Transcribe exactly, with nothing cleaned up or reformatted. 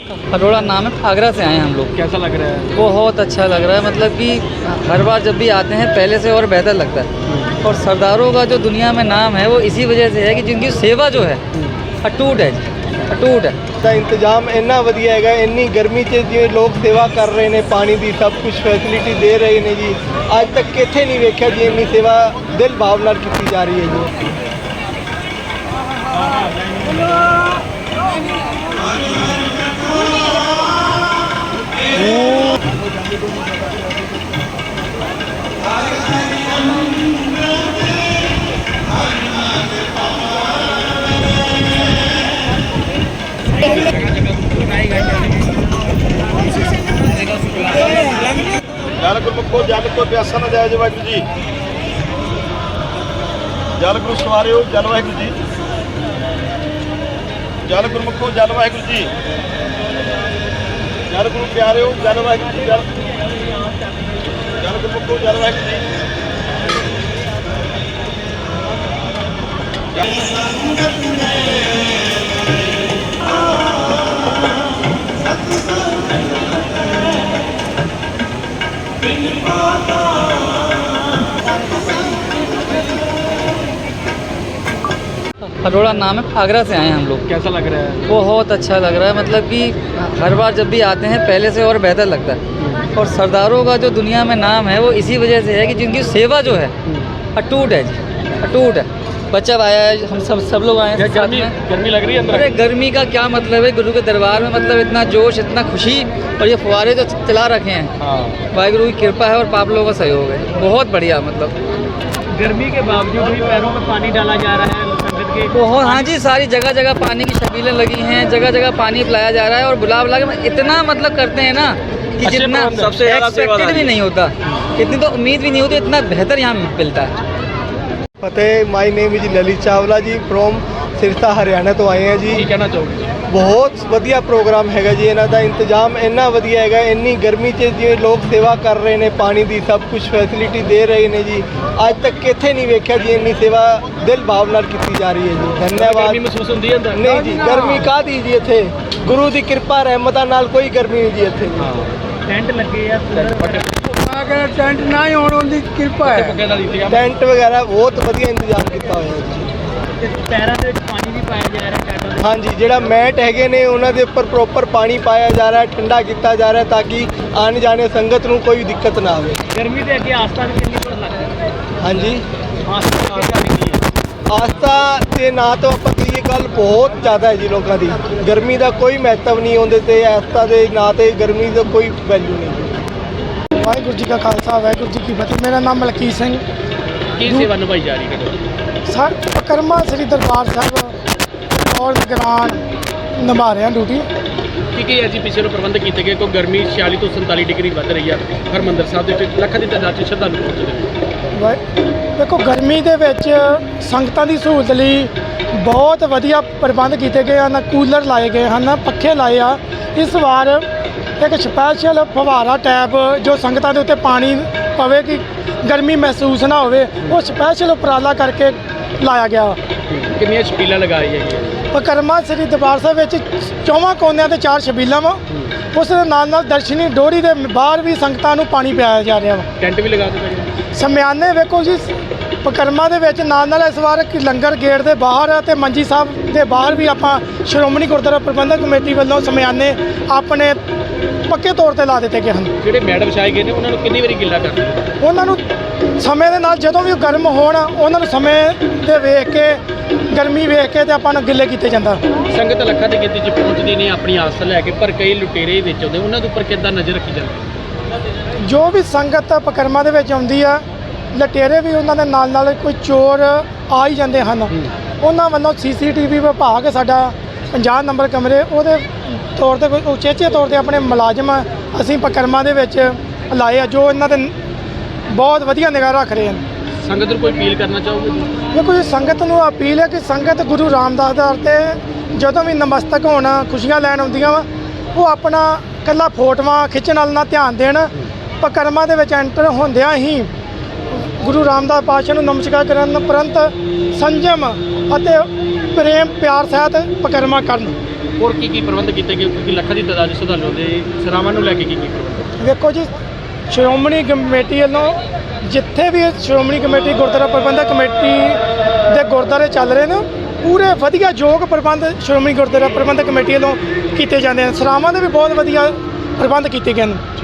हरोड़ा नाम है, आगरा से आए हैं हम लोग। कैसा लग रहा है? बहुत अच्छा लग रहा है, मतलब कि हर बार जब भी आते हैं पहले से और बेहतर लगता है। और सरदारों का जो दुनिया में नाम है वो इसी वजह से है कि जिनकी सेवा जो है अटूट है जी, अटूट है। ਦਾ ਇੰਤਜ਼ਾਮ ਇੰਨਾ ਵਧੀਆ ਹੈਗਾ, ਇੰਨੀ ਗਰਮੀ 'ਚ ਜਿਵੇਂ ਲੋਕ ਸੇਵਾ ਕਰ ਰਹੇ ਨੇ, ਪਾਣੀ ਦੀ ਸਭ ਕੁਝ ਫੈਸਿਲਿਟੀ ਦੇ ਰਹੇ ਨੇ ਜੀ। ਅੱਜ ਤੱਕ ਕਿੱਥੇ ਨਹੀਂ ਵੇਖਿਆ ਜੀ ਇੰਨੀ ਸੇਵਾ ਦਿਲ ਭਾਵ ਨਾਲ ਕੀਤੀ ਜਾ ਰਹੀ ਹੈ ਜੀ। ਜਲ ਗੁਰਮੁਖੋ ਜਲ ਕੋ ਪਿਆਸਾ ਨਾ ਜਾਇ ਵਾਹਿਗੁਰੂ ਜੀ। ਜਲ ਗੁਰੂ ਸਵਾਰਿਓ ਜਲ ਵਾਹਿਗੁਰੂ ਜੀ। ਜਲ ਗੁਰਮੁਖੋ ਜਲ ਵਾਹਿਗੁਰੂ ਜੀ। ਜਲ ਗੁਰੂ ਪਿਆਰਿਓ ਜਲ ਵਾਹਿਗੁਰੂ ਜੀ। ਜਲ ਜਲ ਗੁਰਮੁਖੋ ਜਲ ਵਾਹਿਗੁਰੂ ਜੀ। हरोड़ा नाम है, आगरा से आए हैं हम लोग। कैसा लग रहा है? बहुत अच्छा लग रहा है, मतलब कि हर बार जब भी आते हैं पहले से और बेहतर लगता है। और सरदारों का जो दुनिया में नाम है वो इसी वजह से है कि जिनकी सेवा जो है अटूट है जी, अटूट है। बच्चा आया है, हम सब सब लोग आए हैं साथ में। गर्मी लग रही है अंदर? अरे गर्मी का क्या मतलब है, गुरु के दरबार में मतलब इतना जोश, इतना खुशी। और ये फुहारे जो चला रखे हैं, हाँ। वाहिगुरु की कृपा है और पाप लोगों का सहयोग है, बहुत बढ़िया। मतलब गर्मी के बावजूद भी पैरों में पानी डाला जा रहा है संगत के। बहुत, हाँ जी, सारी जगह जगह पानी की छबीलें लगी हैं, जगह जगह पानी पिलाया जा रहा है। और बुला बुला के इतना मतलब करते हैं ना कि जितना एक्सपेक्टेड भी नहीं होता, इतनी तो उम्मीद भी नहीं होती, इतना बेहतर यहाँ मिलता है। ਫਤਿਹ, my name is Lalit Chawla ji from Sirsa Haryana ਤੋਂ ਆਏ ਹਾਂ ਜੀ। ਕੀ ਕਹਿਣਾ ਚਾਹੋਗੇ? ਬਹੁਤ ਵਧੀਆ ਪ੍ਰੋਗਰਾਮ ਹੈਗਾ ਜੀ ਇਹਨਾਂ ਦਾ। ਇੰਤਜ਼ਾਮ ਇੰਨਾ ਵਧੀਆ ਹੈਗਾ, ਇੰਨੀ ਗਰਮੀ 'ਚ ਜਿਵੇਂ ਲੋਕ ਸੇਵਾ ਕਰ ਰਹੇ ਨੇ, ਪਾਣੀ ਦੀ ਸਭ ਕੁਝ ਫੈਸਿਲਿਟੀ ਦੇ ਰਹੇ ਨੇ ਜੀ। ਅੱਜ ਤੱਕ ਕਿੱਥੇ ਨਹੀਂ ਵੇਖਿਆ ਜੀ ਇੰਨੀ ਸੇਵਾ ਦਿਲ ਭਾਵ ਨਾਲ ਕੀਤੀ ਜਾ ਰਹੀ ਹੈ ਜੀ। ਧੰਨਵਾਦ। ਗਰਮੀ ਮਹਿਸੂਸ ਹੁੰਦੀ ਹੈ ਅੰਦਰ? ਨਹੀਂ ਜੀ, ਗਰਮੀ ਕਾਹਦੀ ਜੀ, ਇੱਥੇ ਗੁਰੂ ਦੀ ਕਿਰਪਾ ਰਹਿਮਤਾਂ ਨਾਲ ਕੋਈ ਗਰਮੀ ਨਹੀਂ ਜੀ ਇੱਥੇ। ਟੈਂਟ ਲੱਗੇ ਆ, ਅਗਰ ਟੈਂਟ ਨਾ ਹੀ ਹੋਣ ਉਹਦੀ ਕਿਰਪਾ ਹੈ। ਟੈਂਟ ਵਗੈਰਾ ਬਹੁਤ ਵਧੀਆ ਇੰਤਜ਼ਾਮ ਕੀਤਾ ਹੋਇਆ ਜੀ। ਪੈਰਾਂ ਦੇ ਵਿੱਚ ਪਾਣੀ ਵੀ ਪਾਇਆ ਜਾ ਰਿਹਾ ਟੈਂਟਾਂ ਦੇ? ਹਾਂਜੀ, ਜਿਹੜਾ ਮੈਟ ਹੈਗੇ ਨੇ ਉਹਨਾਂ ਦੇ ਉੱਪਰ ਪ੍ਰੋਪਰ ਪਾਣੀ ਪਾਇਆ ਜਾ ਰਿਹਾ, ਠੰਡਾ ਕੀਤਾ ਜਾ ਰਿਹਾ ਤਾਂ ਕਿ ਆਉਣ ਜਾਣੇ ਸੰਗਤ ਨੂੰ ਕੋਈ ਦਿੱਕਤ ਨਾ ਆਵੇ। ਗਰਮੀ ਦੇ ਅੱਗੇ ਆਸਥਾ ਵੀ ਕਿੰਨੀ ਕੁ ਲੱਗਦੀ ਹੈ? ਹਾਂਜੀ, ਆਸਥਾ ਵੀ ਕੀ ਹੈ? ਆਸਥਾ ਦੇ ਨਾਂ ਤੋਂ ਆਪਾਂ ਕਹੀਏ ਗੱਲ ਬਹੁਤ ਜ਼ਿਆਦਾ ਹੈ ਜੀ ਲੋਕਾਂ ਦੀ। ਗਰਮੀ ਦਾ ਕੋਈ ਮਹੱਤਵ ਨਹੀਂ ਉਹਦੇ ਤੇ, ਆਸਥਾ ਦੇ ਨਾਂ ਤੇ ਗਰਮੀ ਦਾ ਕੋਈ ਵੈਲਿਊ ਨਹੀਂ। ਵਾਹਿਗੁਰੂ ਜੀ ਕਾ ਖਾਲਸਾ, ਵਾਹਿਗੁਰੂ ਜੀ ਕੀ ਫਤਿਹ। ਮੇਰਾ ਨਾਮ ਮਲਕੀਤ ਸਿੰਘ। ਕੀ ਸੇਵਾ ਨਿਭਾਈ ਜਾ ਰਹੀ ਹੈ? ਸਰ ਪਕਰਮਾ ਸ੍ਰੀ ਦਰਬਾਰ ਸਾਹਿਬ ਔਰ ਨਿਗਰਾਨ ਨਿਭਾ ਰਹੇ ਹਾਂ ਡਿਊਟੀ। ਕੀ ਕੀ ਅਸੀਂ ਪਿੱਛੇ ਨੂੰ ਪ੍ਰਬੰਧ ਕੀਤੇ ਗਏ? ਕੋਈ ਗਰਮੀ ਛਿਆਲੀ ਤੋਂ ਸੰਤਾਲੀ ਡਿਗਰੀ ਵੱਧ ਰਹੀ ਹੈ ਹਰਿਮੰਦਰ ਸਾਹਿਬ ਦੇ ਵਿੱਚ, ਲੱਖਾਂ ਦੀ ਤਾਦਾਦ 'ਚ ਸ਼ਰਧਾਲੂ ਪਹੁੰਚਦੇ ਨੇ। ਦੇਖੋ, ਗਰਮੀ ਦੇ ਵਿੱਚ ਸੰਗਤਾਂ ਦੀ ਸਹੂਲਤ ਲਈ ਬਹੁਤ ਵਧੀਆ ਪ੍ਰਬੰਧ ਕੀਤੇ ਗਏ ਹਨ। ਕੂਲਰ ਲਾਏ ਗਏ ਹਨ, ਪੱਖੇ ਲਾਏ ਆ। ਇਸ ਵਾਰ ਇੱਕ ਸਪੈਸ਼ਲ ਫਵਾਰਾ ਟੈਪ ਜੋ ਸੰਗਤਾਂ ਦੇ ਉੱਤੇ ਪਾਣੀ ਪਵੇ ਕਿ ਗਰਮੀ ਮਹਿਸੂਸ ਨਾ ਹੋਵੇ, ਉਹ ਸਪੈਸ਼ਲ ਉਪਰਾਲਾ ਕਰਕੇ ਲਾਇਆ ਗਿਆ। ਕਿੰਨੀਆਂ ਛਬੀਲਾਂ ਲਗਾਈ ਹੈਗੀਆਂ? ਪਕਰਮਾ ਸ੍ਰੀ ਦਰਬਾਰ ਸਾਹਿਬ ਵਿੱਚ ਚੌਵਾਂ ਕੋਨਿਆਂ ਤੇ ਚਾਰ ਛਬੀਲਾਂ ਵਾ। ਉਸ ਦੇ ਨਾਲ ਨਾਲ ਦਰਸ਼ਨੀ ਡੋਰੀ ਦੇ ਬਾਹਰ ਵੀ ਸੰਗਤਾਂ ਨੂੰ ਪਾਣੀ ਪਿਆਇਆ ਜਾ ਰਿਹਾ ਵਾ। ਟੈਂਟ ਵੀ ਲਗਾ ਦਿੱਤੇ ਗਏ? ਸਮਿਆਨੇ ਵੇਖੋ ਜੀ, ਪਕਰਮਾ ਦੇ ਵਿੱਚ ਨਾਲ ਨਾਲ ਇਸ ਵਾਰ ਕਿ ਲੰਗਰ ਗੇਟ ਦੇ ਬਾਹਰ ਅਤੇ ਮੰਜੀ ਸਾਹਿਬ ਦੇ ਬਾਹਰ ਵੀ ਆਪਾਂ ਸ਼੍ਰੋਮਣੀ ਗੁਰਦੁਆਰਾ ਪ੍ਰਬੰਧਕ ਕਮੇਟੀ ਵੱਲੋਂ ਸਮਿਆਨੇ ਆਪਣੇ ਪੱਕੇ ਤੌਰ ਤੇ ਲਾ ਦਿੱਤੇ ਗਏ ਹਨ। ਜਿਹੜੇ ਮੈਡ ਵਿਛਾਏ ਗਏ ਨੇ ਉਹਨਾਂ ਨੂੰ ਕਿੰਨੀ ਵਾਰੀ ਗਿੱਲਾ ਕਰਦੇ? ਉਹਨਾਂ ਨੂੰ ਸਮੇਂ ਦੇ ਨਾਲ ਜਦੋਂ ਵੀ ਉਹ ਗਰਮ ਹੋਣ, ਉਹਨਾਂ ਨੂੰ ਸਮੇਂ ਦੇ ਵੇਖ ਕੇ, ਗਰਮੀ ਵੇਖ ਕੇ ਤੇ ਆਪਾਂ ਨੂੰ ਗਿੱਲੇ ਕੀਤੇ ਜਾਂਦਾ। ਸੰਗਤ ਲੱਖਾਂ ਦੀ ਗਿਣਤੀ 'ਚ ਪਹੁੰਚਦੀ ਨਹੀਂ ਆਪਣੀ ਆਸ ਲੈ ਕੇ, ਪਰ ਕਈ ਲੁਟੇਰੇ ਵਿੱਚ ਆਉਂਦੇ, ਉਹਨਾਂ ਦੇ ਉੱਪਰ ਕਿੱਦਾਂ ਨਜ਼ਰ ਰੱਖੀ ਜਾਂਦੀ? ਜੋ ਵੀ ਸੰਗਤ ਪਕਰਮਾ ਦੇ ਵਿੱਚ ਆਉਂਦੀ ਆ, ਲਟੇਰੇ ਵੀ ਉਹਨਾਂ ਦੇ ਨਾਲ ਨਾਲ ਕੋਈ ਚੋਰ ਆ ਹੀ ਜਾਂਦੇ ਹਨ। ਉਹਨਾਂ ਵੱਲੋਂ ਸੀ ਸੀ ਟੀ ਵੀ ਵਿਭਾਗ ਸਾਡਾ ਪੰਜਾਹ ਨੰਬਰ ਕਮਰੇ ਉਹਦੇ ਤੌਰ ਤੇ ਕੋਈ ਉਚੇਚੇ ਤੌਰ ਤੇ ਆਪਣੇ ਮੁਲਾਜ਼ਮ ਅਸੀਂ ਪਕਰਮਾ ਦੇ ਵਿੱਚ ਲਾਏ ਆ, ਜੋ ਇਹਨਾਂ ਦੇ ਬਹੁਤ ਵਧੀਆ ਨਿਗਾਹ ਰੱਖ ਰਹੇ ਹਨ। ਸੰਗਤ ਨੂੰ ਕੋਈ ਅਪੀਲ ਕਰਨਾ ਚਾਹੋਗੇ? ਦੇਖੋ ਜੀ, ਸੰਗਤ ਨੂੰ ਅਪੀਲ ਹੈ ਕਿ ਸੰਗਤ ਗੁਰੂ ਰਾਮਦਾਸ ਦੇ ਦਰ ਤੇ ਜਦੋਂ ਵੀ ਨਮਸਤਕ ਹੋਣ, ਖੁਸ਼ੀਆਂ ਲੈਣ ਆਉਂਦੀਆਂ ਵਾ, ਉਹ ਆਪਣਾ ਇਕੱਲਾ ਫੋਟੋਆਂ ਖਿੱਚਣ ਵੱਲ ਨਾ ਧਿਆਨ ਦੇਣ। ਪਕਰਮਾ ਦੇ ਵਿੱਚ ਐਂਟਰ ਹੁੰਦਿਆਂ ਹੀ ਗੁਰੂ ਰਾਮਦਾਸ ਪਾਤਸ਼ਾਹ ਨੂੰ ਨਮਸਕਾਰ ਕਰਨ ਉਪਰੰਤ ਸੰਜਮ ਅਤੇ ਪ੍ਰੇਮ ਪਿਆਰ ਸਹਿਤ ਪਕਰਮਾ ਕਰਨ। ਹੋਰ ਕੀ ਕੀ ਪ੍ਰਬੰਧ ਕੀਤੇ ਗਏ ਕਿਉਂਕਿ ਲੱਖਾਂ ਦੀ ਤਾਦਾਦ 'ਚ ਸ਼ਰਧਾਲੂ ਦੇ ਸਰਾਵਾਂ ਨੂੰ ਲੈ ਕੇ ਕੀ ਕੀ ਪ੍ਰਬੰਧ? ਵੇਖੋ ਜੀ, ਸ਼੍ਰੋਮਣੀ ਕਮੇਟੀ ਵੱਲੋਂ ਜਿੱਥੇ ਵੀ ਇਹ ਸ਼੍ਰੋਮਣੀ ਕਮੇਟੀ ਗੁਰਦੁਆਰਾ ਪ੍ਰਬੰਧਕ ਕਮੇਟੀ ਦੇ ਗੁਰਦੁਆਰੇ ਚੱਲ ਰਹੇ ਨੇ, ਪੂਰੇ ਵਧੀਆ ਯੋਗ ਪ੍ਰਬੰਧ ਸ਼੍ਰੋਮਣੀ ਗੁਰਦੁਆਰਾ ਪ੍ਰਬੰਧਕ ਕਮੇਟੀ ਵੱਲੋਂ ਕੀਤੇ ਜਾਂਦੇ ਹਨ। ਸਰਾਵਾਂ ਦੇ ਵੀ ਬਹੁਤ ਵਧੀਆ ਪ੍ਰਬੰਧ ਕੀਤੇ ਗਏ ਨੇ।